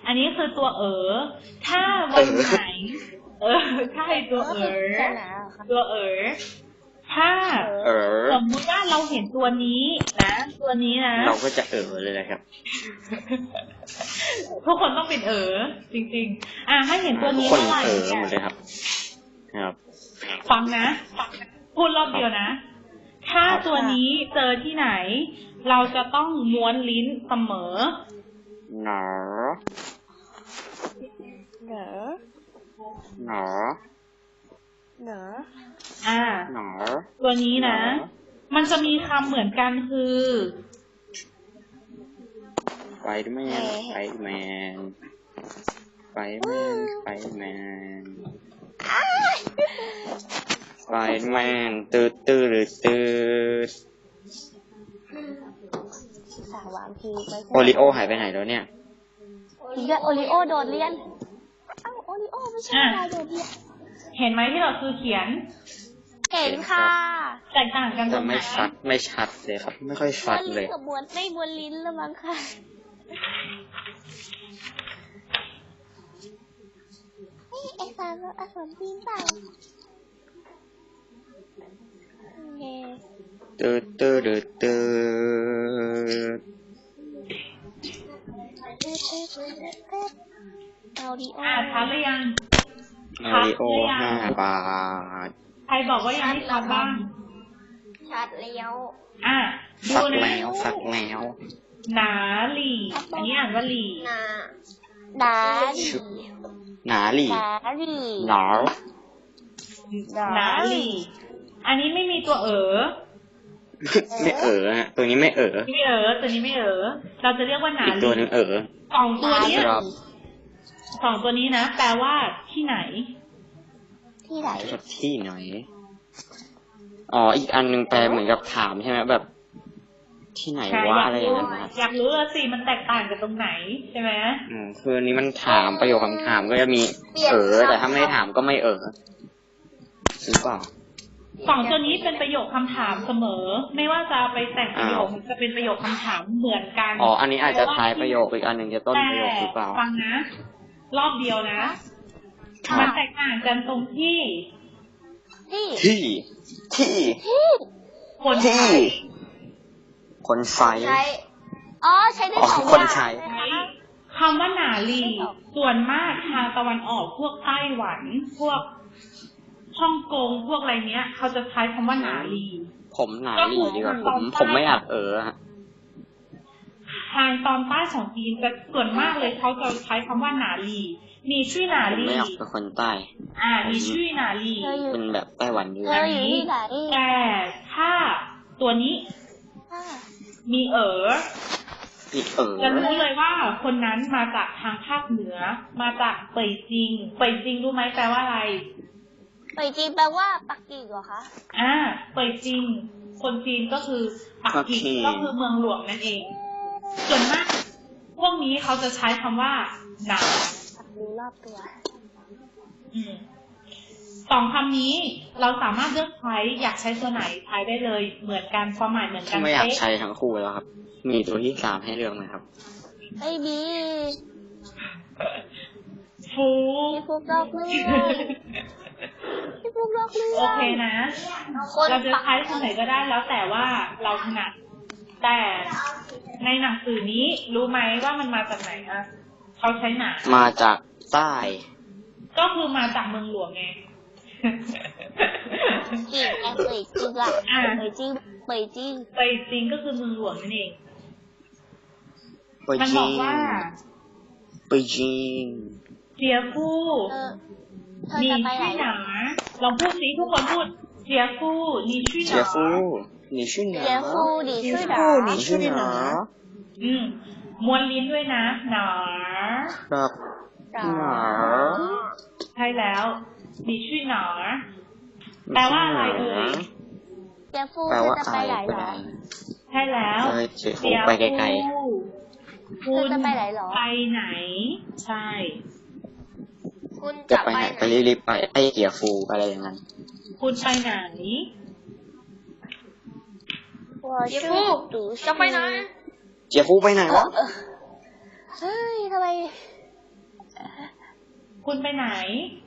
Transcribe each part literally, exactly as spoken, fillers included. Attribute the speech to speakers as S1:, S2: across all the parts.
S1: อันนี้คือตัวเอ๋อถ้าวันไหนเออใช่ตัวเอ๋อตัวเอ๋อถ้าสมมติว่าเราเห็นตัวนี้นะตัวนี้นะ
S2: เราก็จะเอ๋อเลยนะครับ
S1: ทุกคนต้องเป็นเอ๋อจริงๆอ่ะให้เห็นตัวนี้
S2: เมื่
S1: อ
S2: ไหร่
S1: เอ๋อ
S2: หมดเลยครับครับ
S1: ฟังนะพูดรอบเดียวนะถ้าตัวนี้เจอที่ไหนเราจะต้องม้วนลิ้นเสมอ
S2: หนอ
S3: เหนอ
S2: หนอ
S3: เหนอ
S1: อ่า
S2: หนอ
S1: ตัวนี้นะมันจะมีคำเหมือนกันคือ
S2: ไฟแมนไฟแมนไฟแมนไฟแมนไฟแมนตืดตืดหรือตืด
S3: สาววางพีไป
S2: โอริโอหายไปไหนแล้วเนี่ย
S3: โอริโอโดดเรียนอ้าวโอริโอไม่ใช่อะไรโดดเรียน
S1: เห็นไหมที่เราคือเขียน
S3: เห็นค่ะ
S1: แตกต่างกันตรงไหน
S2: ไม่ชัดไม่ชัดเลยครับไม่ค่อยชัดเลย
S3: กับบวนไม่บวนลิ้นแล้วมั้งค่ะนี่ไอ้สารอักษรจีนเปล่า
S2: ตืดตืดตืด
S3: เอาดิโอ
S1: อ่าชัดหรือยัง
S2: เอาดิโอห้าบาท
S1: ใครบอกว่ายังไม่ชัดบ้าง
S3: ชัดแล้ว
S1: อ่ะ
S2: สักแล้วสักแล้ว
S1: หนาหลี่อันนี้อ่านว่าหลี่
S3: หนาหนาหลี่
S2: หนาหลี่
S3: หนาหลี่
S2: หนา
S1: หนาหลี่อันนี้ไม่มีตัวเอ๋อ
S2: ไม่เอ๋อฮะตัวนี้ไม่เอ๋อ
S1: ไม่เอ๋อตัวนี้ไม่เอ๋อเราจะเรียกว่าหนาหลี่
S2: อีกตัวนึงเอ๋อ
S1: สองตัวนี้สองตัวนี้นะแปลว่าที่ไหน
S3: ที่ไหน
S2: ที่ไหนอ๋ออีกอันนึงแปลเหมือนกับถามใช่ไหมแบบที่ไหนวะอะไรอย่างเงี้ย
S1: อยากรู้เลยสิมันแตกต่างกันตรงไหนใช่ไหม
S2: อืมคือนี้มันถามประโยคคำถามก็จะมีเอ๋อแต่ถ้าไม่ถามก็ไม่เอ๋อหรือเปล่า
S1: สองตัวนี้เป็นประโยคคำถามเสมอไม่ว่าจะไปแต่งประโยคจะเป็นประโยคคำถามเหมือนกัน
S2: อ๋ออันนี้อาจจะท้ายประโยคอีกอันหนึ่งจะต้นประโยคหรือเปล่า
S1: ฟังนะรอบเดียวนะมันแตกต่างกันตรงที่
S2: ที่ที่ที่
S1: คนใช้
S2: คนใช้
S3: อ๋อใช้ได้สอง
S2: คนใช้
S1: คำว่าหนาลีส่วนมากทางตะวันออกพวกไต้หวันพวกฮ่องกงพวกอะไรเนี้ยเขาจะใช้คำว่าหนาลี
S2: ผมหนาลีดีกว่าผมผมไม่อยากเออฮะ
S1: ทางตอนใต้ของจีนจะส่วนมากเลยเขาจะใช้คำว่าหนาลีมีชื่อหนาลี
S2: ไม่อยากเป็นคนใต้
S1: อ่ามีชื่อหนาลี
S2: เป็นแบบไต้หวันอยู่
S1: อันนี้แต่ถ้าตัวนี้มีเอ๋อจะรู้เลยว่าคนนั้นมาจากทางภาคเหนือมาจากเป่ยจิงเป่ยจิงรู้ไหมแปลว่าอะไร
S3: เป่ยจิงแปลว่าปักกิ่งเหรอคะ
S1: อ่าเป่ยจิงคนจีนก็คือปักกิ่งก็คือเมืองหลวงนั่นเองส่วนมากพวกนี้เขาจะใช้คำว่าหนา
S3: รู้รอบตัว
S1: สองคำนี้เราสามารถเลือกใช้อยากใช้ตัวไหนใช้ได้เลยเหมือนกันความหมายเหมือนกัน
S2: ไม่อยากใช้ทั้งคู่แล้วครับมีตัวที่สามให้เลือกไหมครับ
S3: ไม่มี
S1: ฟู
S3: พี่ฟุกลอกเลือกพี่ฟุกลอกเลือก
S1: โอเคนะเราจะใช้ตัวไหนก็ได้แล้วแต่ว่าเราถนัดแต่ในหนังสือนี้รู้ไหมว่ามันมาจากไหนอ่ะเขาใช้หนา
S2: มาจากใต้
S1: ก็คือมาจากเมืองหลวงไง
S3: จริงไงเป่ยจิงอ่ะเป่ยจิงเป่ยจิง
S1: เป่ยจิงก็คือเมืองหลวงนั่นเองมันบอกว่า
S2: เป่ยจิง
S1: เจียฟู่你去哪儿ลองพูดสิทุกคนพูดเจียฟู่你去哪儿
S2: 你去哪儿
S3: เจียฟู่你去哪儿
S2: 你去哪儿
S1: อืมม้วนลิ้นด้วยนะหนา
S2: ครับหนา
S1: ใช่แล้ว你去哪儿แปลว่าอะไรเอ่ย
S3: เจียฟู่จะไปไหนหรอ
S1: ใช่แล้ว
S2: เจียฟู่ไปไกลๆ
S1: คุณ
S3: จะไปไหนหรอ
S1: ไปไหนใช่
S3: คุณ
S2: จะไปไหนไปรีบๆไปไอ้เจียฟูอะไรอย่างนั้น
S1: คุณไปไหน
S3: เจียฟู่จะไปไหน
S2: เจียฟูไปไหนวะ
S3: เฮ้ยทำไม
S1: คุณไปไหน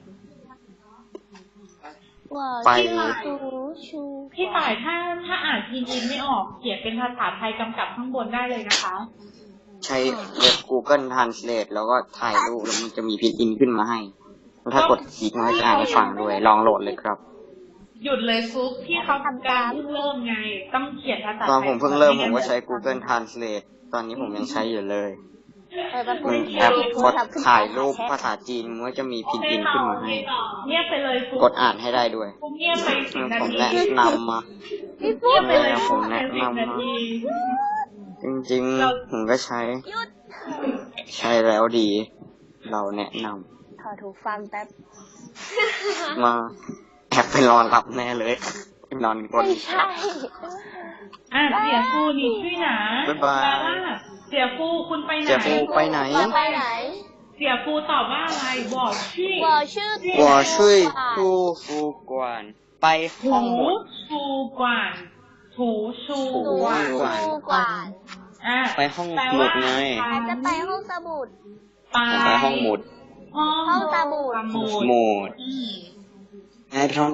S2: ไป
S1: พี่ต่ายถ้าถ้าอ่านพินอินไม่ออกเขียนเป็นภาษาไทยกำกับข้างบนได้เลยนะคะ
S2: ใช้เว็บ Google Translate แล้วก็ถ่ายรูปแล้วมันจะมีพินอินขึ้นมาให้ถ้ากดคลิกมันก็จะอ่านให้ฟังด้วยลองโหลดเลยครับ
S1: หยุดเลยฟุกที่เขาทำการเพิ่งเริ่มไง ต้องเขียนภาษาไทย
S2: ตอนผมเพิ่งเริ่มผมก็ใช้ Google Translate ตอนนี้ผมยังใช้อยู่เลยมันแอปกดถ่ายรูปภาษาจีนมันก็จะมีพินอินขึ้นมาให้
S1: เงียบไปเลยฟุก
S2: กดอ่านให้ได้ด้วย
S1: ฟุกเงียบไปสิบนา
S2: ผม
S1: ที
S2: แนะนำมา
S1: เงียบไปเลย
S2: ผ
S1: ฟุ
S2: ม
S1: ก
S2: แนะ
S1: สิบ
S2: นำ
S1: นา
S2: มา
S1: ที
S2: จริงๆผมก็ใช้ ใช้แล้วดี เราแนะน
S3: ถอดหูฟังแป๊บ
S2: ำมาแอบไปนอนหลับแน่เลยไปนอนกด
S3: ไม่ใช่
S1: อ่ะเสียฟูนี่ชื่อหนา
S2: บ๊ายบาย
S1: แปลว่าเสียฟูคุณไปไหน
S2: เสียฟูไปไหน
S3: ไปไหน
S1: เสียฟูตอบว่าอะไรบอกชื่อ
S3: 我ชื่อ
S2: 我睡住宿馆ไปห้
S1: ถู
S2: องหมด
S1: ชูกว่านถูชู
S3: หนู
S1: กว่าน
S3: ชูกว่าน
S1: อ่ะ
S2: ไปห้อง
S1: แปล
S2: หมุ
S1: ว่า
S2: ดไง
S3: อาจจะไปห้องสมุด
S1: ไป
S2: ไปห้องหมุด
S1: ห้อง
S3: ห้องสมุด
S1: สมุด
S2: หมุด
S1: อืม
S2: ไงไปทำอะไร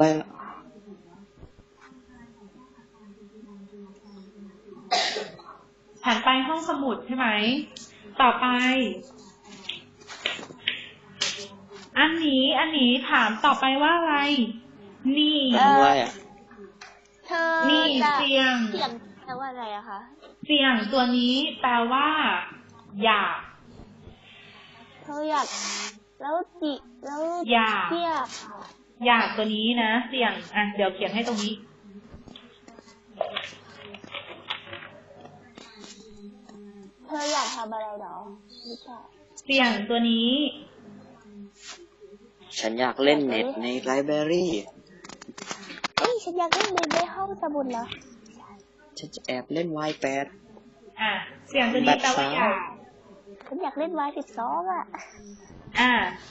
S1: ฉันไปห้องสมุดใช่ไหม ต่อไป อันนี้ อันนี้ถามต่อไปว่าอะไร นี่
S2: ทำอะไรอ่ะ
S3: เธอ
S1: นี่
S3: จะ
S1: เสียง
S3: เสียงแปลว่าอะไรอะคะ
S1: เสียงตัวนี้แปลว่า อยาก
S3: เธออยากแล้วจิแล้ว
S1: อยาก
S3: เทียบ
S1: อยากตัวนี้นะ เสียง อ่ะ เดี๋ยวเขียนให้ตรงนี้
S3: เธออยากทำอะไรหรอไม่ใช่
S1: เสียงตัวนี้
S2: ฉันอยากเล่นเน็ตในไลบรารี
S3: เอ้ยฉันอยากเล่นในห้องสมุดเหรอ
S2: ฉันจะแอบเล่น วาย แปด
S1: อ่ะ เสียงตัวนี้แปลว่าอยาก
S3: ฉันอยากเล่นวายสิบสองอ่ะ
S1: อ่ะ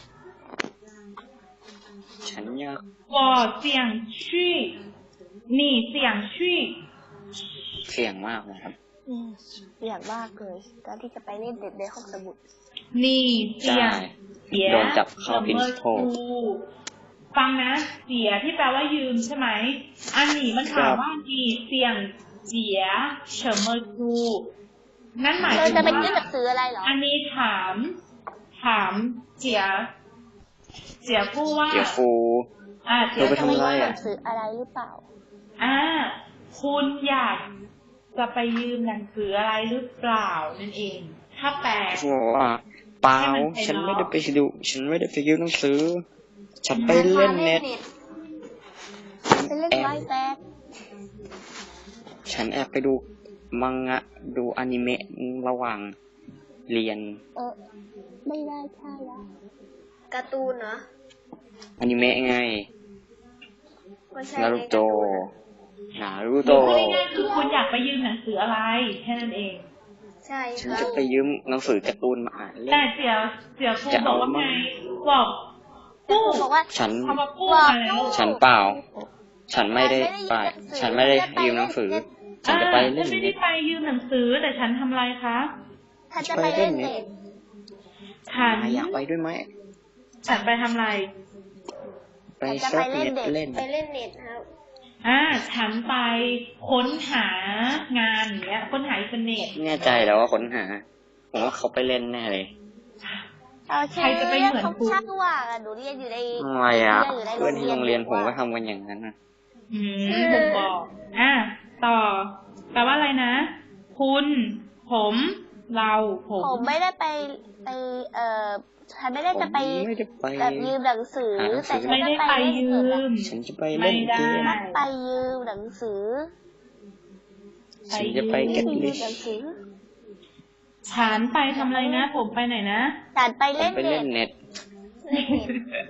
S2: ฉันอยาก
S1: 我想去你想去
S2: เสี่ยงมากนะครับ
S3: อืมอยากมากเลยการที่จะไปเล่นเด็ดในห้องสมุด
S1: 你
S2: ใช่
S1: 想เสีย
S2: โดนจับเข้าพินโท
S1: ฟังนะ เสียที่แปลว่ายืมใช่ไหม อันนี้มันถามว่า你想เสีย什么书นั่นหมาย
S3: เธ
S1: ถึ
S3: อง จะไป
S1: ว่า
S3: ยื่นหนังสืออะไรเหรอ
S1: อันนี้ถาม ถามเสีย เสียผู้ว่า
S2: เดี๋ยวฟู
S1: อ่าเสีย
S2: เธอไป
S3: จะ
S2: ทำ
S3: ไป
S2: อะไร
S3: ยื่นห
S2: อ่ะ
S3: นังสืออะไรหรือเปล่า
S1: อ่า คุณอยากจะไปยืมหนังสืออะไรหรือเปล่านั่นเอง ถ้าแปล
S2: ฟูว่าเปล่า
S1: ให้มันไป
S2: ฉันไม่
S1: เนาะ
S2: ได้ไปดู ฉันไม่ได้ไปยืมหนังสือ ฉันไปเล่นเน็ต
S3: ไปเล่นวายแปด
S2: ฉันแอบไปดูมังงะ ดูอนิเมะระหว่างเรียน
S3: เออไม่ได้ใช่แล้วการ์ตูนเหรอ
S2: อนิเมะไง
S3: ไม่ใช่
S2: นารูโตะนารู
S1: หรือ
S2: โตะ
S1: พูดง่ายๆคือคุณอยากไปยืมหนังสืออะไรแค่นั้นเอง
S3: ใช่
S2: ฉัน
S3: ครับ
S2: จะไปยืมหนังสือการ์ตูนมาอ่านเล่
S1: แต่
S2: น
S1: เสียเสียครู
S2: จะ
S1: บ
S2: เอา
S1: อกว่าไง
S2: มั่ง
S1: บอกกู้
S3: บอกว่า
S2: ฉัน
S1: คำว่ากู้มาแล้ว
S2: ฉันเปล่า ฉันไม่ได้ไป ฉันไม่ได้ยืมหนังสือ ฉันจะไปเล่น
S1: อ่าฉันไม่ได้
S2: เน็ต
S1: ไปยืมหนังสือแต่ฉันทำอะไรคะ
S3: ถ้าจะไปเล่นเน็ต
S1: ฉัน
S2: อยากไปด้วยไหม
S1: ฉันไปทำอะไร
S2: ไป
S3: จะ
S2: เซิ
S3: ไป
S2: ร์ฟ
S3: เล่น
S2: เน็ต
S3: เน็ต
S2: เล่น
S3: ไปเล่นเน็ตครับ
S1: อ่า ฉันไปค้นหางานอย่างเงี้ย ค้นหาอินเทอร์เน็ต
S2: แน่ใจแล้วว่าค้นหา ผมว่าเขาไปเล่นแน่เลย
S3: โอเค
S1: ใครจะไปเหมือนครู
S3: ช่างว่างอะหนูเรียนอยู่ใน
S2: ทำไมอ่ะ
S3: เรียนอยู่ใน
S2: เพื่อนที่โรงเรียนผมก็
S3: ว่า
S2: ทำกันอย่างนั้นนะ
S1: อืมผมบอก อ่ะ ต่อ แปลว่าอะไรนะ คุณ ผม เรา ผม
S3: ผมไม่ได้ไปไปเอ่อฉันไม่ได้
S2: ผม
S3: จะไป
S2: ไม่ได้ไป
S3: แบบยืมหนังสือ
S2: หาหนังสื
S3: แต่
S2: อ
S3: ฉัน
S1: ไม่
S3: จะ
S1: ได้
S3: ไป
S1: ไป
S3: เล่น
S1: ยื
S3: เน็ตอะ
S1: ม
S2: ฉันจะไปเล่นเกม
S1: ไม่ได้
S3: ไปยืมหนังสือ
S2: ฉันจะไป
S3: ยื
S2: get
S3: ม
S2: rich
S3: หนังสือ
S1: ฉันไปทำอะไรนะ ผมไปไหนนะ
S3: ฉันไป
S2: ผม
S3: เล่น
S2: ไป
S3: เน็
S2: เล่
S3: ต
S2: นเน็ต
S3: เล่นเน็ต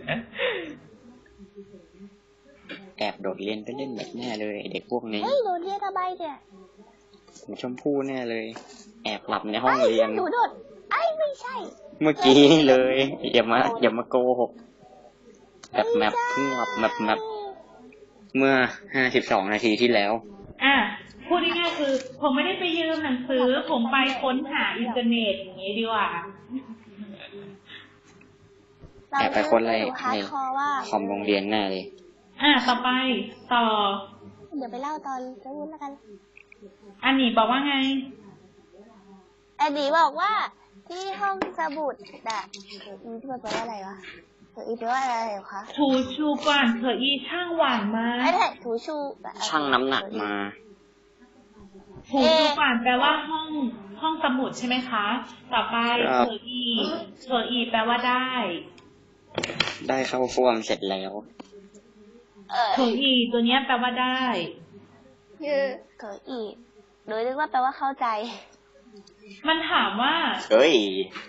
S2: แอบโดดเรียนไปเล่นเน็ตแน่เลยเด็กพวกนี้
S3: เฮ้ยหนูเรียนทำไมเนี่ย
S2: ชมพู่แน่เลย แอบหลับในห้องเรียน
S3: หนูโดดไอ้ไม่ใช่
S2: เมื่อกี้นี่เลย อย่ามาอย่ามาโกหกแบบแมปเพิ่งหลับแมปแมปเมื่อห้าสิบสองนาทีที่แล้ว
S1: อ่ะ พูดง่ายๆคือ ผมไม่ได้ไปยืมหนังสือ ผมไปค้นหาอินเทอร์เน็ตอย่างนี้ดีกว่า
S3: ไป
S2: แอบไปคนอะไร
S3: ฮาร์
S2: ใน
S3: ดคอร์ว่า
S2: คอมโรงเรียนแน่เลย
S1: อ่ะต่อไปต่อ
S3: เดี๋ยวไปเล่าตอนจะพูดแล้วกัน
S1: อันนี้บอกว่าไง
S3: แอนดี้บอกว่าที่ห้องสมุดน่ะเธออีที่มันแปลว่าอะไรวะเธออีแปลว่าอะไรเหรอคะ
S1: ถูชูกว่านเธออีช่างหวานมา
S3: ไอ้แท็กถูชู
S2: ช่างน้ำหนักมา
S1: ถูชูกว่านแปลว่าห้องห้องสมุดใช่ไหมคะ ต่อไป
S2: ครับ
S1: เธออีเธออีแปลว่าได้
S2: ได้เข้าฟ่วมเสร็จแล้ว
S3: เออ
S1: เธออีตัวเนี้ยแปลว่าได้
S3: คือเธออีโดยเรียกว่าแปลว่าเข้าใจ
S1: มันถามว่า
S2: เฮ้ย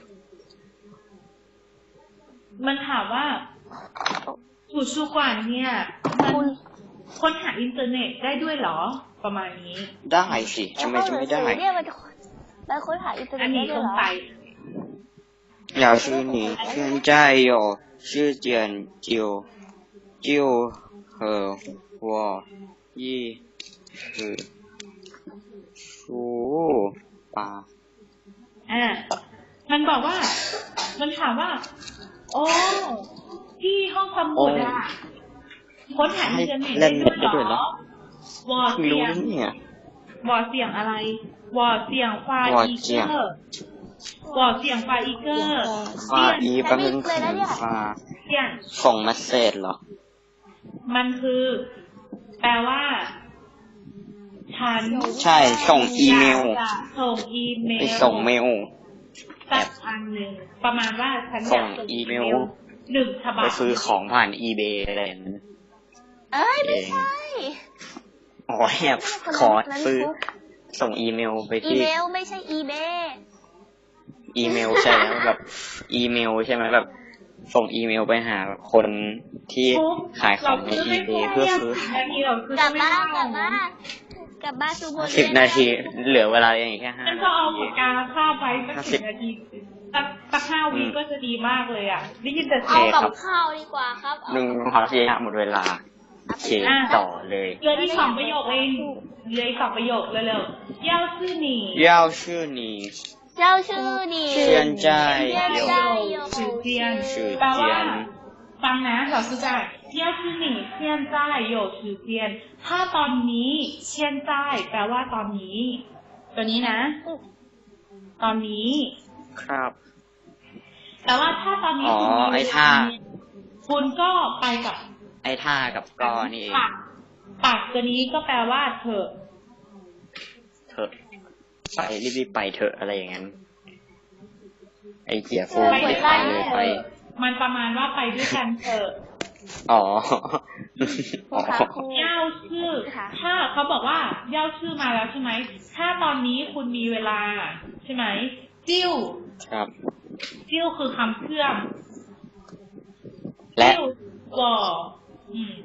S1: มันถามว่าถูชูกว่านเนี่ยมัน
S3: คุณ
S1: ค้นหาอินเทอร์เน็ตได้ด้วยเหรอ ประมาณนี้
S2: ได้สิทำไมจะไม่ได้
S3: เนี่ยมันมันค้นหาอินเทอร์เน็
S1: อั
S3: ต
S1: น
S3: ได้
S1: นี้
S3: ด้
S1: ส
S3: วย
S1: ง
S3: เหรอ
S1: สัย
S2: 要是你现在有时间就就和我一起出发。
S1: อ่า มันบอกว่า มันถามว่า โอ้ ที่ห้องสมุดอะค้นหาอินเทอร์เน็ตได้ด้วยเหรอวอ
S2: ไม่
S1: เสี
S2: รู้
S1: ยง
S2: เนี่ย
S1: วอเสียงอะไร วอเสียงฟาอีเกอร์วอเสียงฟาอีเกอร์
S2: ฟ้าอีแป๊บนึงคือฟ้า
S1: เสียง
S2: ส่งเมสเซจเหรอ
S1: มันคือ แปลว่า ฉัน
S2: ใช่ส่งอีเมล
S1: อยากจะส่งอีเมล
S2: ไปส่งเมล
S1: สักอันหนึ่งประมาณว่าฉันอ
S2: ส่
S1: ยาง กส่ง
S2: อี
S1: อี
S2: เม
S1: เม
S2: ล
S1: ลหนึ่งฉบับ
S2: ไปซื้อของผ่านอีเบอะไรอย่างนั้น
S3: เอ้ยไม่ใช่
S2: อ๋อแอบขอซื้อ ส่งอีเมลไป
S3: อี
S2: ที่
S3: เมลไม่ใช่อีเบ
S2: อีเมลใช่แล้วแบบ อีเมลใช่ไหมแบบ ส่งอีเมลไปหาคนที่ขายของในอีเบเพื่อซื้อ
S1: นาทีเราซื้อก
S3: ลับ
S1: ไม่
S3: บ้าน
S1: ได้
S3: กลับบ้านกลับบ้านซูโบ
S2: สิบนาที เหลือเวลาอย่างแค่ห้า
S1: ฉัน
S2: นา
S1: ก็เอา
S2: ที
S1: ปากกาคาบไว้สักสิบนาทีสักสักห้าวิก็จะดีมากเลยอ่ะได้ยินแต่เสี
S3: เอา
S1: ยง
S3: กับข้าวดีกว่าครับ
S2: หนึ่งขอทีหมดเวลาโอเคต่อเลย
S1: เหลืออีกสองประโยคเองเหลืออีกสองประโยคเร็วๆ要是你
S2: 要是你
S3: เจ้าชื่อดี
S2: 现在有
S1: 时间
S2: 时
S1: แปลว่า
S2: 间
S1: ฟังนะ老师在要是你现在有时间ถ้าตอนนี้现在แปลว่าตอนนี้ ตัวนี้นะ ตอนนี้
S2: ครับ
S1: แต่ว่าถ้าตอนนี้
S2: อ๋อ
S1: คุณมี
S2: ไอ้
S1: เว
S2: ท่า
S1: ลาเนี่ยคุณก็ไปกับ
S2: ไอ้ท่ากับกอนี่เอง
S1: ปากปากตัวนี้ก็แปลว่าเถอะ
S2: เถอะไปรีบๆไปเถอะอะไรอย่างนั้น ไอ้เจียฟู
S1: ไป
S2: ไม่
S1: ด้วย
S2: ไป
S1: กัน
S2: เลย
S1: เถ
S2: ไป
S1: อะมันประมาณว่าไปด้วยกันเถอะ
S2: อ๋อ
S3: ครูคะครู
S1: เย่าชื่อ ถ้าเขาบอกว่าเย่าชื่อมาแล้วใช่ไหม ถ้าตอนนี้คุณมีเวลาใช่ไหม จิ้ว
S2: ครับ
S1: จิ้วคือคำเชื่อม
S2: และ
S1: จิ้ววออืม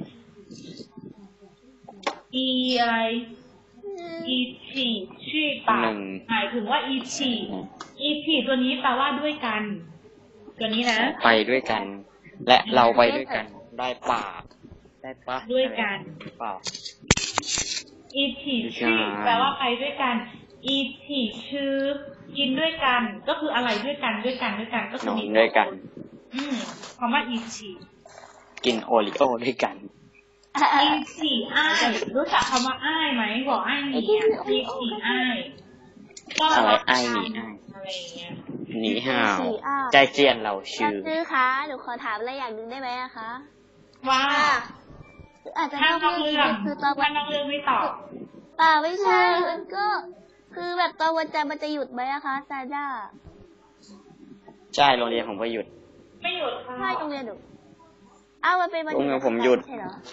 S1: อีอะไร อีฉีชื่อปา
S2: ห
S1: ก
S2: นึ่ง
S1: หมายถึงว่าอีฉีอีฉีตัวนี้แปลว่าด้วยกัน ตัวนี้นะ
S2: ไปด้วยกัน และเราไปด้วยกัน ได้ป่า ได้ปะ
S1: ด้วยกัน
S2: เปล่า
S1: อีฉีชื่อแปลว่าไปด้วยกัน อีฉีชื่อกินด้วยกัน ก็คืออะไรด้วยกันด้วยกันด้วยกันก็คื
S2: น
S1: อ
S2: อน
S1: มี
S2: ด้วยกัน
S1: อืมคำว่าอีฉี
S2: กินโอริโอด้วยกัน
S1: อีฉีอ้ายรู้จักคำว่าอ้ายไหมบอกอ้ายหนีอ่ะอีฉีอ้ายก็
S2: อะไร
S1: รัก
S2: อ้ายหนี
S1: กัน
S2: อ้าย
S1: อะไรอย่างเงี้ย
S2: หนีห่าว
S3: สี่อ้า
S2: ใจเจียนเราชื่อ
S3: ซื้อคะหนูขอถามอะไรอย่างหนึ่งได้ไหมอะคะ
S1: ว่า
S3: อาจจะ
S1: ถ้าน
S3: อก
S1: อก
S3: เรื่
S1: เรื่
S3: อ
S1: อง ง
S3: คือตอนวั
S1: ถ้าน นอกเรื่องไม่ตอบ
S3: ป่าไม่ใช่มันก็ คือแบบตอนวันจันทร์มันจะหยุดไหมอะคะซาด้า
S2: ใช่โรงเรียนผมก็หยุด
S1: ไม่หยุดค่ะ
S3: ไม่โรงเรียนหนูอ้าวมันเป็นวัน
S2: โรงเรียนผมหยุด
S3: ใช่เหรอ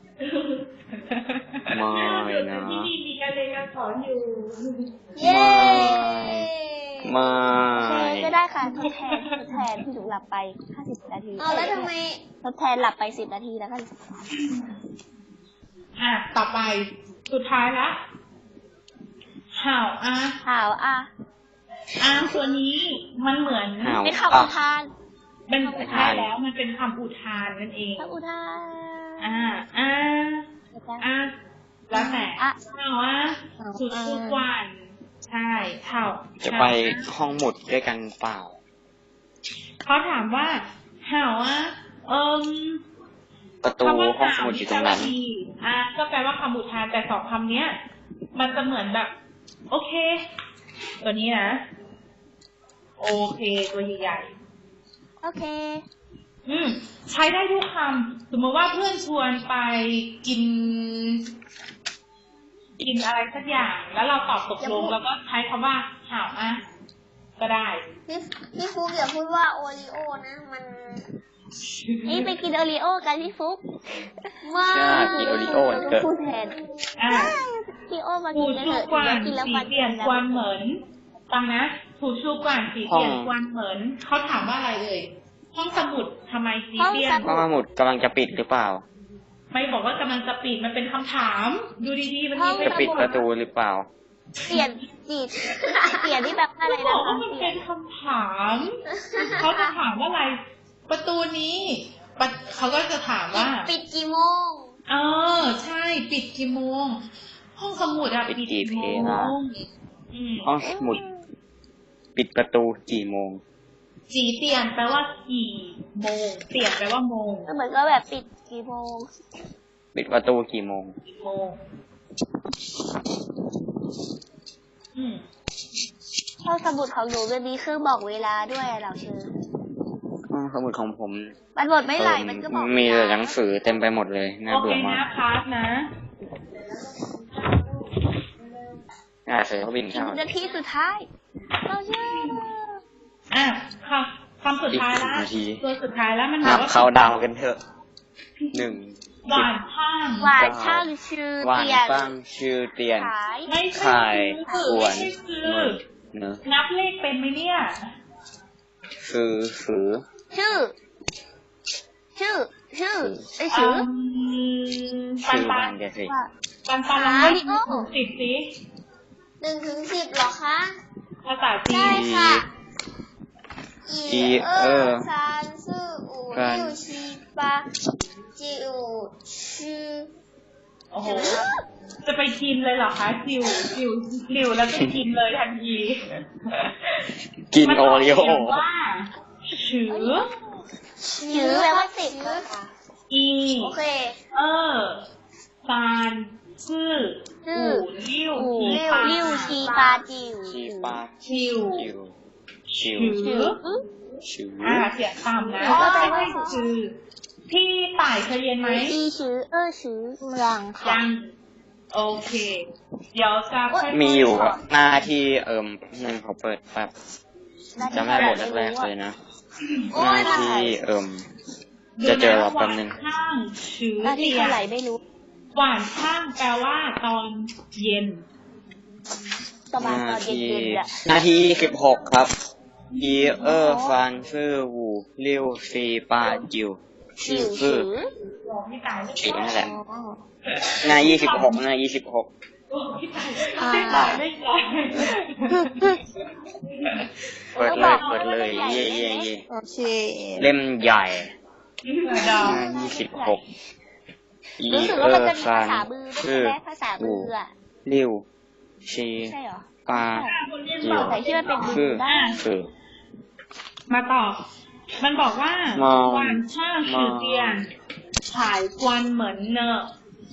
S2: ไม่นะ
S1: ที่นี่มีการเรียนการสอนอยู่
S3: เย้
S2: ไม่
S3: โอเคก็ได้ค่ะทดแทนทดแทนที่หนูหลับไปห้าสิบนาที
S4: เอาแล้วทำไม
S3: ทดแทนหลับไปสิบนาทีแล้วกัน
S1: อ่ะ ต่อไป สุดท้ายละห่าวอ่ะ
S3: ข่าวอ่ะ
S1: อ่ะตัวนี้มันเหมือน
S2: ห่าว
S3: เป็นคำอุทาน
S1: เป็นใช่แล้วมันเป็นคำอุทานนั่นเอง
S3: คำอุทาน
S1: อ่า อ่า อ่ะ แล้วแต่
S3: อ่ะ
S1: ห่าวอ่ะสุดทุกวันใช่ห่าว
S2: จะไปห้องหมุดด้วยกันเปล่า
S1: เขาถามว่าหาวอ่ะเอิม
S2: ประตู
S1: คำว่า
S2: ห้อง
S1: หา
S2: ส
S1: ว
S2: มุดอยู่ต
S1: แป
S2: ร
S1: ล
S2: ง
S1: ว่า
S2: นั้น
S1: ดีอ่ะก็แปลว่าคำอุทานแต่สองคำเนี้ย มันจะเหมือนแบบ โอเค ตัวนี้นะโอเคตัวใหญ่ๆ
S3: โอเค
S1: อืมใช้ได้ทุกคำสมมติว่าเพื่อนชวนไปกิน กินอะไรสักอย่าง แล้วเราตอบตกลงแล้วก็ใช้คำว่าหาวอ่ะก็ได้
S3: พี่พี่ฟุกอย่าพูดว่าโอริโอนะมันนี่ไปกินโอริโอกันพี่ฟุกว่า
S2: ใช่กินโอริโอวันเกิด
S3: พูดแทน
S1: อ่ะ
S3: พี่โอมา
S1: ถู
S3: กินกัน
S1: ชู
S3: เถอะ
S1: กวาน
S3: กินแล้ว
S1: สี
S3: ฟัน
S1: เปลี่ยนกวนเหมือนฟังนะถูชูกวานสีเปลี่ยนกวนเหมือนเขาถามว่าอะไรเลยห้องสมุดทำไมสีเปลี่ยน
S2: ห้องสมุดกำลังจะปิดหรือเปล่า
S1: ไม่บอกว่ากำลังจะปิดมันเป็นคำถาม ดูดีๆมันมี
S2: จะปิดประตูหรือเปล่า
S3: เปลี่ยนจีดเปลี่ยนที่แบบอะไร
S1: เขาบ
S3: นะ
S1: อกว่า
S3: คะ
S1: มัน
S3: เปลี่
S1: เป็
S3: ยน
S1: นคำถามเขาจะถามว่าอะไร ประตูนี้ปะเขาก็จะถามว่า
S3: ปิดกี่โมง
S1: เออใช่ปิดกี่โมง ห้องสมุดอะ
S2: ปิด
S1: ปิด
S2: กี่
S1: กี่โม
S2: เพลง
S1: งอืม
S2: ห้องสมุด ปิดประตูกี่โมง
S1: จีเปลี่ยนแปลว่ากี่โมง เปลี่ยนแปลว่าโมง
S3: เหมือนก็แบบปิดกี่โมง
S2: ปิดประตูกี่โมง
S1: กี่โมงอืม
S3: ห้องสมุดของหนูจะมีเครื่องบอกเวลาด้วยอะเราเชื่อ
S2: ห้องสมุดของผม
S3: มันหมดไม่ไหลมันก็บอก
S2: มีแต่หนังสือเต็มไปหมดเลยน่า
S1: โอเค
S2: เบื่อมา
S1: นะ
S2: ก
S1: พาร์ทนะ
S2: อ่าเสือเขาบินเข้า
S3: นาทีสุดท้าย เราเชื่อ
S1: อ่ะคำคำสุดท้ายละ
S2: อีกหนึ่งนาที
S1: ตัวสุดท้ายแล้วมันบ
S2: นั
S1: อก
S2: บ
S1: ว่า
S2: เขาดาวกันเถอะหนึ่ง
S1: หวานข้าง
S3: หวานช่างชื่อ
S2: หวาน
S3: เตียน
S2: ป้างชื่อเตียน
S3: ขาย
S1: ไม่ใช่
S2: ไข่
S1: คือ
S2: ขว
S1: ไม่
S2: น
S1: ใช่คือ
S2: เนอะ
S1: นับเลขเป็นไหมเนี่ย
S2: คือฝือ
S3: ชื่อ ชื่อ ชื่อไอยชื่อ
S1: ปัน
S2: ชื่อ
S1: ปั
S2: บ้าน นแกสิ
S3: ว่า
S1: ปันปันลอง
S3: หา
S1: นับ
S3: ดิโอ้
S1: ถึงสิบสิ
S3: หนึ่งถึงสิบหรอคะ
S1: ภาษาจี
S3: ได้
S1: น
S3: ค่ะ
S2: อี
S3: อีเอ
S2: เอ
S3: อ
S2: อ
S3: ซานซื่ออู
S2: กัน
S3: 六七八九十
S1: โอ้โห จะไปกินเลยเหรอคะจิวจิวจิวแล้วก็กินเลยทันที
S2: กินโอริโอ
S1: มันกเสียงว่าชือ
S3: ชื่อแปลว่าสิบค่ะ
S1: อี
S3: โอเค
S1: เออซานซื่อ
S3: ซื่อ
S1: อูลิ้ว
S3: อู
S1: ชี
S3: ลิ้ว
S1: ปา
S3: ลิ้วชีปาจิว
S2: ชีปา
S1: ชิว
S2: ชิวชิว
S1: ชือ
S2: ชิว
S1: อ่าเสียงต่ำนะ
S3: ก็แปลว่า
S1: ไม่ใช่ชื่อพี่ต่ายเคยเรียนไหม
S3: 一十二十两
S1: ยั
S3: ค่ะ
S1: งโอเค เดี๋ยวจะค่อยๆ
S2: มีอยู่
S1: บ
S2: อะ
S1: ก
S2: หน้าที่เอิมหนึ่งเขาเปิดแบบจำได้บทแรกๆเลยนะ
S3: โอ้
S2: หน้าย ที่เอิมจะเจอเราแป๊บนึง
S1: หวานข้างชื่อ
S3: หน้าที่
S1: เตีย
S3: เท่าไหร่ไม่รู้
S1: หวานข้างแปลว่าตอนเย็น
S3: ประ
S2: ห
S3: มาณ
S2: น้า
S3: ตอนเย็
S2: ที่
S3: นๆอะ
S2: หน้าที่สิบหกครับอีเออร์ฟันชื่อวูลิวซีปาจิว
S3: จิ๋
S2: ชื่อ
S3: ว
S2: คือ
S3: ชื่อ
S1: บอกพี่ต่ายไม่
S2: อีก
S1: ได้
S2: นั่นแหละ
S3: อ๋อ
S2: หน้ายี่สิบหกหน้ายี่สิบหก
S1: บอกพี่ต่ายพี่ต่ายไม่ได้
S2: เปิดเลยเปิดเลยเย่เย่เย่
S3: โอเค
S2: เล่มใหญ่
S1: ดาว
S2: หน้ายี่สิบหกอี
S3: รู้สึก
S2: เอ
S3: ว่า
S2: อ
S3: มัน
S2: ร์
S3: จะมี
S2: ฟั
S3: ภาน ษามือด้วย
S2: ชื่อ
S3: ใช่ไหมภาษามืออะ
S2: ลิวชี
S3: ใช่เหรอ
S2: ปา
S3: ภาษาที่มันเป็นมื
S2: คือ
S3: อได้
S2: คือ
S1: มาต่อ มันบอกว่า
S2: มอง
S1: หวานช่างชื่อเตียนฉายควันเหมือนเนอะ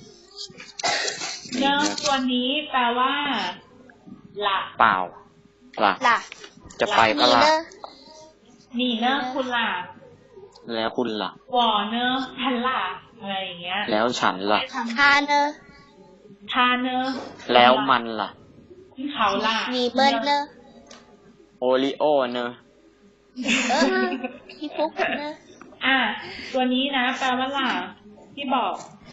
S1: เนอะตัวนี้แปลว่าหลับ
S2: เปล่าล่ะ
S3: ล่ะ
S2: จะไปปะล่ะ
S3: เนอะ
S1: นี่เนอะคุณล่ะ
S2: แล้วคุณล่ะ
S1: วอเนอะทันล่ะอะไรอย่างเงี้ย
S2: แล้วฉันล่ะ
S3: ทานเนอะ
S1: ทาเนอะ
S2: แล้วมันล่ะ
S1: เขาล่ะ
S3: มีเบิ้ลเนอะ
S2: โอริโอเนอะ
S3: เออพี่ฟุกเนอะ
S1: อ่ะตัวนี้นะ แปลว่าล่ะที่บอก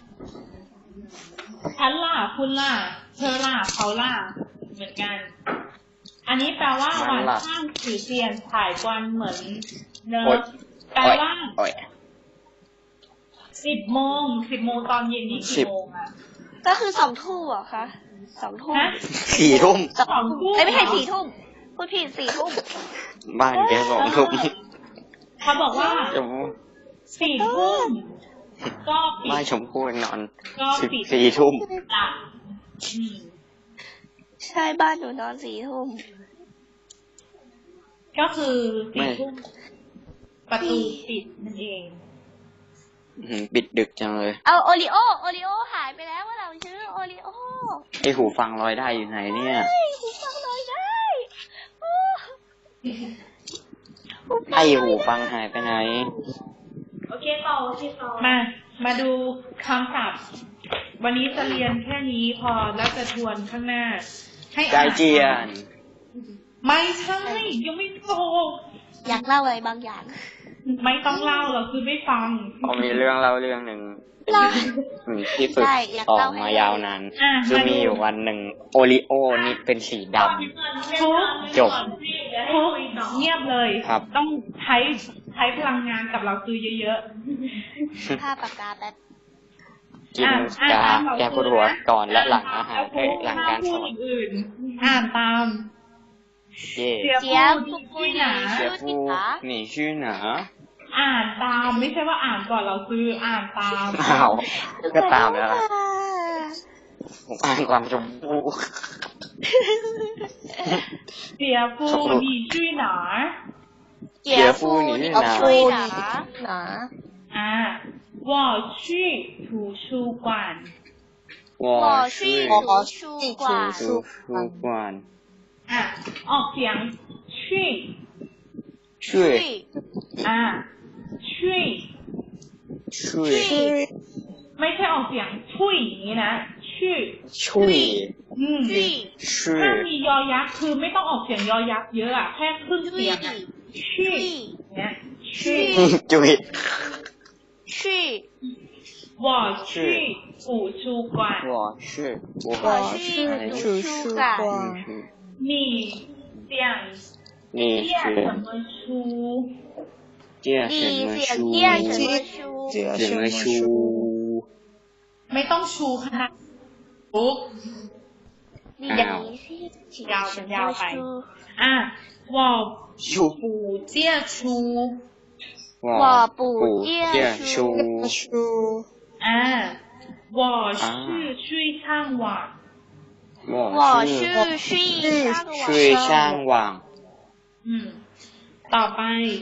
S1: ฉันล่ะคุณล่ะเธอล่ะเขาล่ะเหมือนกัน อันนี้แปลว่าหวานข้างถือเทียนถ่ายควันเหมือนเนอะ
S2: โอ๊ย
S1: แปลว่า
S2: โอ้ย
S1: สิบโมงสิบโมงตอนเย็นนี่
S2: สิ
S1: กี่
S2: บ
S1: โมงอะ
S3: ก็คือสองทุ่มเหรอคะสองทุ่ม
S1: ฮะ
S2: สี่ทุ่ม
S1: สองทุ่ม
S3: เอ้ยไม่ใช่สี่ทุ่มพูดผิดสี่ทุ่ม
S2: บ้านแกสองทุ่ม
S1: เขาบอกว่า
S2: ชม
S1: สี่ทุ่มก็ปิ
S2: บ้าน
S1: ด
S2: ชมพู่นอน
S1: ก็
S2: สิบ
S1: ปิด
S2: สี่ทุ่ม
S1: หลับอืม
S3: ใช่บ้านหนูนอนสี่ทุ่ม
S1: ก็คือสี่ทุ่มประตูปิดนั่นเอง
S2: อืมปิดดึกจังเลย
S3: เอาโอริโอโอริโอหายไปแล้วว่าเราชื่อโอริโอ
S2: ไอหูฟังลอยได้อยู่ไหนเนี่ย
S3: เฮ้ยหูฟังเลยได้โอ้
S2: ไอหูฟังหายไปไหน
S1: โอเคต่อโอเคต่อมา มาดูคำศัพท์ วันนี้จะเรียนแค่นี้พอแล้วจะทวนข้างหน้า ให้
S2: ใจ
S1: อ่าน
S2: เจียน
S1: ไม่ใช่ยังไม่จบ
S3: อยากเล่าอะไรบางอย่าง
S1: ไม่ต้องเล่าเราคือไม่ฟัง
S2: ผมมีเรื่องเล่าเรื่องหนึ่ง
S3: เล่า
S2: อืมที่ฝึก
S3: ใช่อยาก
S2: ออ
S3: เล่าก ให้
S2: มายาวนาน
S1: อ่ะ
S2: คือ
S1: มาดู
S2: มีอยู่วันหนึ่งโอริโอนี่เป็นสีด
S1: ทุก
S2: ำจบ
S1: ทุกเงียบเลย
S2: ครับ
S1: ต้องใช้ใช้พลังงานกับเราคือเยอะ
S3: ผ้าปากกาแป๊บ
S2: กิน
S1: อ่ะ
S2: ยา
S1: อ่านตาม
S2: แก้ปวดหัวก่อนและหลังอาหาร
S1: ๆ
S2: เอ้ยหลังการส
S1: พู
S2: อ
S1: ด
S2: น
S1: อื่นๆอ่านตาม
S2: เย่
S1: เจีย
S3: เจี๊ยบ
S1: พู
S3: พู
S1: ด
S3: ด
S1: ที่หนา
S2: เสียผู้หนีชื่อหนา
S1: อ่านตามไม่ใช่ว่าอ่านก่อนเราซื้ออ่านตาม
S2: อ้าวก็ตามแล้วล่ะผมอ่านความชมพู่
S1: เจียฟูหนีชื่อหนา
S3: เจี๊ยบพูดนี่เอาช่วยหนาหนา
S1: อ่า我去图书馆
S2: 我
S3: 去
S2: 是
S3: 图书馆
S2: 图书馆
S1: อ่ะออกเสียงชื่อ
S2: 去
S1: อ่าชื่อ
S2: 去
S1: ไม่ใช่ออกเสียงชุยอย่างนี้นะชื่อ
S2: 去
S1: อืม
S3: ช่วย
S1: ถ้า
S2: 去
S1: มียอยักษ์คือไม่ต้องออกเสียงยอยักษ์เยอะอะแค่ครึ่งเสียงอะชื่อเนี่ยชื่อ
S2: จุย
S3: ช่วย
S1: 我去图书馆
S2: 我是我
S3: 我去图书馆
S1: 你想
S2: 你
S1: 念
S2: 是
S1: 什么书
S2: 念什么
S3: 你想
S2: 书
S3: 念什么书
S2: 什么书
S1: ไม่ต้องชูขนาดปุ๊บ
S3: 你喜欢什么书
S1: อ่ะ我
S2: 书
S1: 不借书
S2: 我
S3: 我不
S2: 见
S3: 见
S2: 书
S3: 书
S1: 啊，我是去上网，
S2: 我
S3: 我
S2: 是
S3: 是去上
S2: 去上网
S1: 嗯，ต่อไป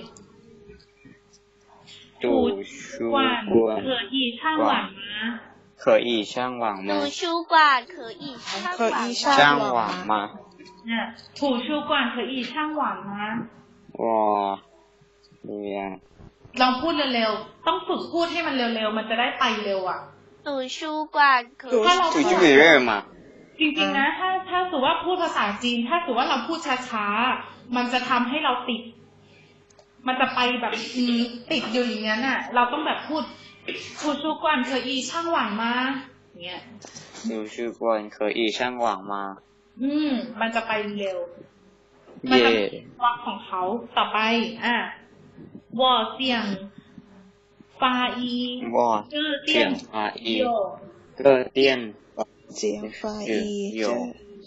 S2: 图书
S1: 馆
S2: 馆
S1: 可以上网吗？
S2: 可以上网吗
S3: 图书馆可以上
S4: 可以上
S2: 上网吗
S1: 嗯，图书馆可以上网吗？
S2: 我เรียน
S1: ลองพูดเร็วๆ ต้องฝึกพูดให้มันเร็วๆ มันจะได้ไปเร็วอ่ะ
S3: 图书馆可以
S1: ถ้าเรา
S2: จุ
S1: พู
S2: ย
S1: ด
S2: จุยเรื่อมา
S1: จริงๆนะ ถ้าถ้าสมมติว่าพูดภาษาจีน ถ้าสมมติว่าเราพูดช้าๆ มันจะทำให้เราติด มันจะไปแบบอืมติดอยู่อย่างนั้นอ่ะ เราต้องแบบพูด图书馆可以上网吗เงี้ย
S2: 图书馆可以上网吗
S1: อืม มันจะไปเร็ว มัน
S2: เย่
S1: จะมีวักของเขาต่อไป อ่ะ我想发一
S2: 我
S1: 个
S2: 想
S1: 电
S2: 发一
S1: 有
S2: 个电
S4: 简发
S2: 子
S4: 一
S2: 邮件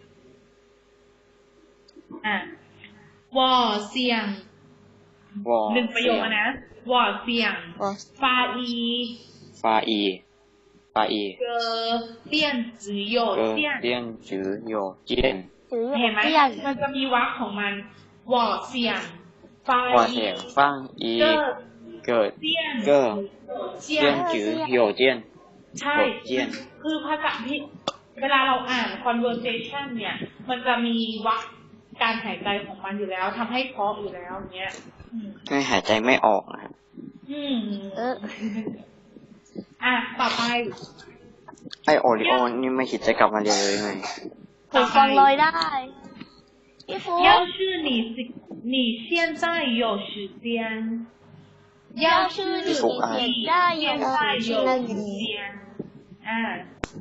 S1: อ่ะ我想
S2: 我
S1: หนึ่งประโยคอะนะ我想
S4: 我
S1: 发一
S2: 发一发一
S1: 个电子邮
S2: 个
S1: 件
S2: 电子邮件
S1: เห็นไหมมันจะมีวักของมัน我想发
S2: 我
S1: 一
S2: 想放一
S1: 个
S2: 个
S1: 电
S2: 个
S1: 子
S2: 电子邮件
S1: ใช่
S2: 邮件
S1: คือภาษาที่เวลาเราอ่าน conversation เนี่ย มันจะมีวรรคการหายใจของมันอยู่แล้วทำให้เพราะอยู่แล้วเนี้ยอืม
S2: ไม่หายใจไม่ออกนะครับ
S1: อืม
S3: เออ
S1: อ่ะต่อไป
S2: ไอโอริโอนี่ไม่คิดจะกลับมาเรียนเลยไง
S3: หูฟังลอยได้พี่ฟู
S1: 要是你你现在有时间要是你
S3: 要是你现在有
S1: 现在有时间อ่า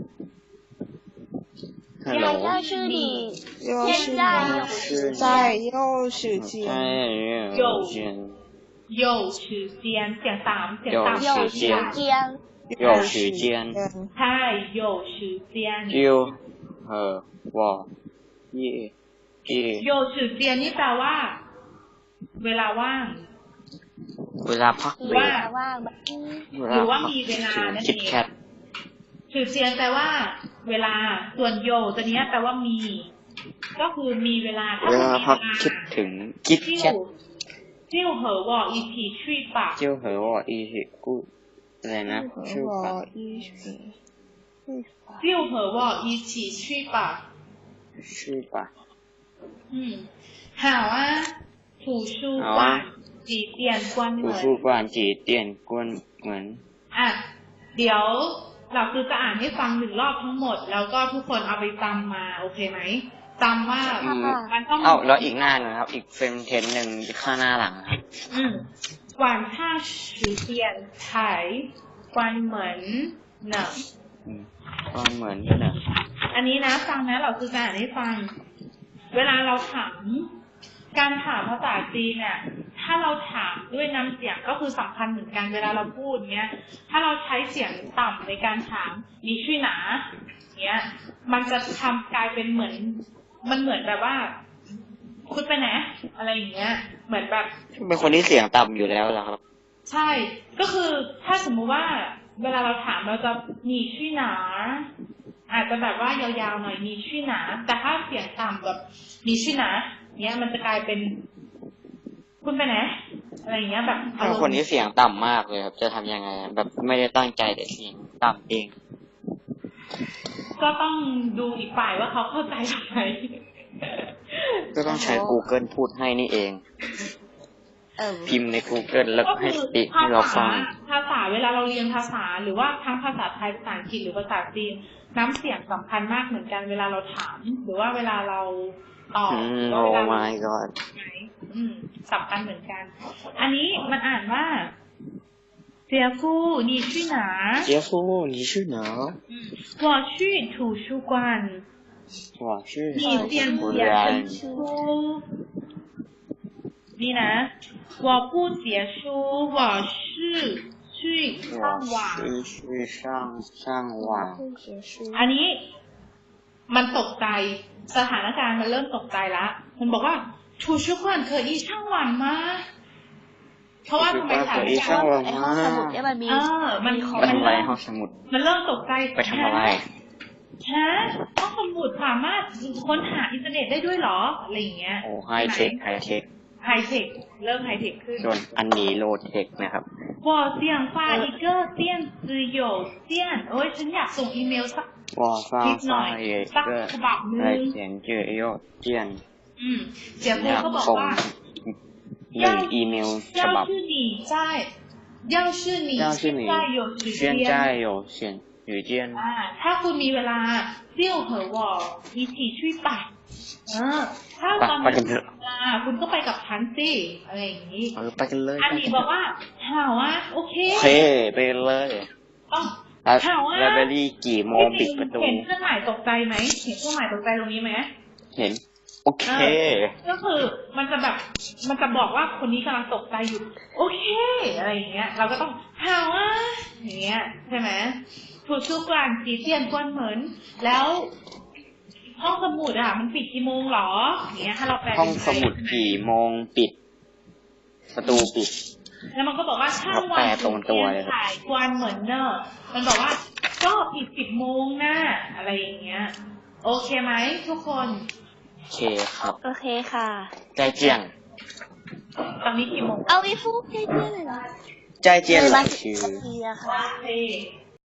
S2: ฮัลโหล
S3: 要是你
S4: 又是
S3: 现在有时
S4: 在又是间
S2: ใช่เดี๋ยวเรียน
S1: 有时间เสียงสามเสียงสาม
S3: 有时间
S2: 有时间
S1: ใช่有时间
S2: 就和我一一
S1: โยสือเจียนนี่แปลว่า เวลาว่าง
S2: เวลาพัก
S1: หรือ
S2: เบร
S1: ว่า
S2: ก
S3: ว่างแบบ
S1: หรือว่ามีเวลานั่น
S2: คิด
S1: เอง
S2: แคท
S1: สือเจียนแปลว่า เวลาส่วนโยตัวเนี้ยแปลว่ามี ก็คือมีเวลาถ้า
S2: เว
S1: คุณ
S2: ลา
S1: มี
S2: พัก
S1: เวลา
S2: คิดถึงคิด
S1: ที่
S2: แคท
S1: จิ้วเหอวออีทีชุยปาก
S2: เจียวเหอว่าอีหิกูอะไรนะชื่อปะ
S4: 我一起去吧
S1: จิ้วเหอวออีทีชุยปาก
S2: ชื่อปะ
S1: อืมหาว่าถูชูกวานจีเตียนกวนเห
S2: กู
S1: มือน
S2: ฟู่กวานจีเตียนกวนเหมือน
S1: อ่ะเดี๋ยวเราคือจะอ่านให้ฟังหนึ่งรอบทั้งหมด แล้วก็ทุกคนเอาไปจำมาโอเคไหมจำว่า
S2: อืม
S1: มันต้อง
S2: เอ้าแล้วอีกหน้าหนึ่งครับ อีกเฟรมเทนหนึ่งข้างหน้าหลังครับ
S1: อืม晚上十点才关门呢
S2: อืมก็เหมือนกันนะ
S1: อันนี้นะฟังนะเราคือการอ่านให้ฟัง เวลาเราถาม การถามภาษาจีนเนี่ย ถ้าเราถามด้วยน้ำเสียงก็คือสำคัญเหมือนกันเวลาเราพูดเนี้ย ถ้าเราใช้เสียงต่ำในการถามมีชื่อหนาเนี้ย มันจะทำกลายเป็นเหมือน มันเหมือนแบบว่า คุณไปไหนอะไรอย่างเงี้ย เหมือนแบบ
S2: เป็นคนที่เสียงต่ำอยู่แล้วเหรอครับ
S1: ใช่ ก็คือถ้าสมมุติว่า เวลาเราถามเราจะมีชื่อหนา อาจจะแบบว่ายาวๆหน่อยมีชื่อหนา แต่ถ้าเสียงต่ำแบบมีชื่อหนาเนี้ยมันจะกลายเป็น คุณไปไหนอะไรอย่างเงี้ยแบบ
S2: ถ้าคนที่เสียงต่ำมากเลยครับ จะทำยังไง แบบไม่ได้ตั้งใจแต่เสียงต่ำเอง
S1: ก็ต้องดูอีกฝ่ายว่าเขาเข้าใจไหม
S2: ก็ต้องใช้ Google พูดให้นี่เอง
S3: เออ
S2: พิมพ์ใน Google แล้ว
S1: ก็
S2: ให้
S1: คือ
S2: ติ
S1: ภา
S2: ให้เรา
S1: ษา
S2: ฟัง
S1: ภาษาเวลาเราเรียนภาษาหรือว่าทั้งภาษาไทยภาษาอังกฤษหรือภาษาจีนน้ำเสียงสำคัญมากเหมือนกันเวลาเราถาม หรือว่าเวลาเราตอบ
S2: อืม
S1: หรือว่าเว
S2: Oh
S1: ลาเรา
S2: my god
S1: อืมสำคัญเหมือนกัน อันนี้มันอ่านว่าเจียฟู你去哪
S2: 杰夫你去哪
S1: 我去图书馆
S2: 我去
S1: 你点
S2: 不
S1: 点
S2: 然
S1: 书นี่นะ我不结书我是去上网
S2: 我是去上上网
S4: 结束
S1: อันนี้มันตกใจสถานการณ์มันเริ่มตกใจละมันบอกว่า图书馆可以上网吗เพราะว่าทำไมสถานการณ์
S3: ไอ้ห้องสมุดเนี่ยมันมี
S1: เออมัน
S2: ไปทำอะไรห้องสมุด
S1: มันเริ่มตกใจ
S2: ไปทำอะไร
S1: ฮะห้องสมุดสามารถค้นหาอินเทอร์เน็ตได้ด้วยเหรออะไรอย่างเงี้ย
S2: โอ้ไฮเทคไฮเทค
S1: ไฮเทคเริ่มไฮเทคขึ้น
S2: ส่วนอันนี้โลเทคนะครับ
S1: 我想发一个电子邮件โอ้ยฉันอยากส่งอีเมลสัก
S2: 我发
S1: นิดหน่อย
S2: 发一
S1: สัก
S2: 个
S1: ฉบับห
S2: 来
S1: นึ่ง
S2: 简介邮件
S1: อืมเจีย
S2: อ
S1: ฟู
S2: ยาก
S1: ก็บอก
S2: ส่ง
S1: ว่า
S2: หนึ่งอีเมลฉบั
S1: 要
S2: บ
S1: 是你在要是你
S2: 要是你
S1: 现在有时
S2: 现
S1: 间
S2: 在有选语件
S1: อ่าถ้าคุณมีเวลาเที่ยวเหอะวออีทีช่วยปัดเออถ้า
S2: ไป
S1: ตอน
S2: ไปกันเถอะ
S1: อ่าคุณก็ไปกับฉันสิอะไรอย่างนี้
S2: เออไปกันเลย
S1: อันนี้บอกว่าหาว่าโอเค
S2: โอเคไปเลย
S1: ต้อง
S2: แล้ว
S1: หาว่า
S2: แล้วเบลลี่กี่โมงปิดประตู
S1: เห็นเครื่องหมายตกใจไหมเห็นเครื่องหมายตกใจตรงนี้ไหม
S2: เห็น โอเค
S1: ก็คือมันจะแบบมันจะบอกว่าคนนี้กำลังตกใจอยู่ โอเคอะไรอย่างเงี้ย เราก็ต้องหาว่าอย่างเงี้ยใช่ไหมถูกชื่อกลางจีเตียนกวนเหมือนแล้วห้องสมุดอ่ะมันปิดกี่โมงหรออย่างเงี้ยถ้าเราแปล
S2: ห้องสมุดกี่โมงปิด ประตูปิด
S1: แล้วมันก็บอกว่าช่าง
S2: แป
S1: วั
S2: ล
S1: น
S2: ตรงตัวเลย
S1: ถ่ายกวนเหมือนเนอะมันบอกว่าก็ปิดสิบโมงนะอะไรอย่างเงี้ย โอเคไหมทุกคน
S2: โอเคครับ
S3: โอเคค่ะ
S2: ใจเจียง
S1: ตอนนี้กี่โมง
S3: เอาไปฟูกใกล้ๆเลยเหรอ
S2: ใจเจียงห
S3: เล
S2: ลั
S3: ย
S2: ง
S3: มาสิ
S2: ชื่
S3: บ
S2: อ
S3: นาทีอะค่ะ
S1: โอเค